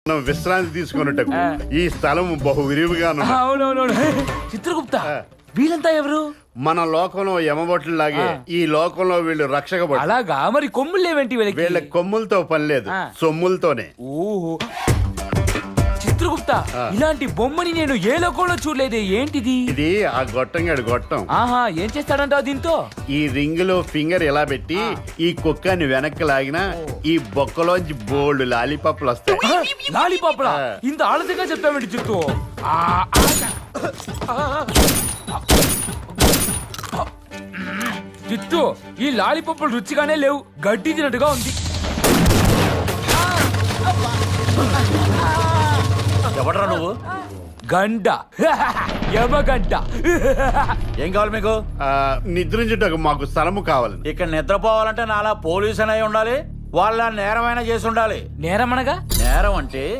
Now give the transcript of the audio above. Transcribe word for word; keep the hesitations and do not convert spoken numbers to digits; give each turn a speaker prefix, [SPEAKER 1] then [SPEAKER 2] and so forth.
[SPEAKER 1] మనం విశ్రాంతి తీసుకున్నట్టు ఈ స్థలం బహు విరివిగా
[SPEAKER 2] అవునవునవును. చిత్రగుప్త వీళ్ళంతా ఎవరు?
[SPEAKER 1] మన లోకంలో యమబొట్లు లాగే ఈ లోకంలో వీళ్ళు రక్షక భటులు.
[SPEAKER 2] అలాగా? మరి కొమ్ములు లేవేంటి వీళ్ళకి?
[SPEAKER 1] వీళ్ళ కొమ్ములతో పని లేదు, సొమ్ములతోనే.
[SPEAKER 2] ఓహో చిత్రగుప్త, ఇలాంటి బొమ్మని నేను ఏ లోకంలో చూడలేదే. ఏంటిది?
[SPEAKER 1] ఇది ఆ గొట్టంగాడు గొట్టం.
[SPEAKER 2] ఆహా, ఏం చేస్తాడంటావు దీంతో?
[SPEAKER 1] ఈ రింగ్ లో ఫింగర్ ఎలా పెట్టి ఈ కుక్కని వెనక్కి లాగినా ఈ బొక్కలోంచి బోల్డ్ లాలీపాప్లు వస్తాయి.
[SPEAKER 2] లాలీపాప్లా? ఇంత ఆలస్యంగా చెప్పామండి చిత్తు. చిత్తు, ఈ లాలీపాప్లు రుచిగానే లేవు, గడ్డి తినట్టుగా ఉంది.
[SPEAKER 3] ఎవడరా నువ్వు?
[SPEAKER 2] గంట యమగంట.
[SPEAKER 3] ఏం కావాలి మీకు?
[SPEAKER 1] నిద్రించుటకు మాకు స్థలము కావాలి.
[SPEAKER 3] ఇక్కడ నిద్రపోవాలంటే నాలా పోలీసు అయి ఉండాలి, వాళ్ళ నేరమైనా చేసి ఉండాలి.
[SPEAKER 2] నేరమనగా?
[SPEAKER 3] నేరం అంటే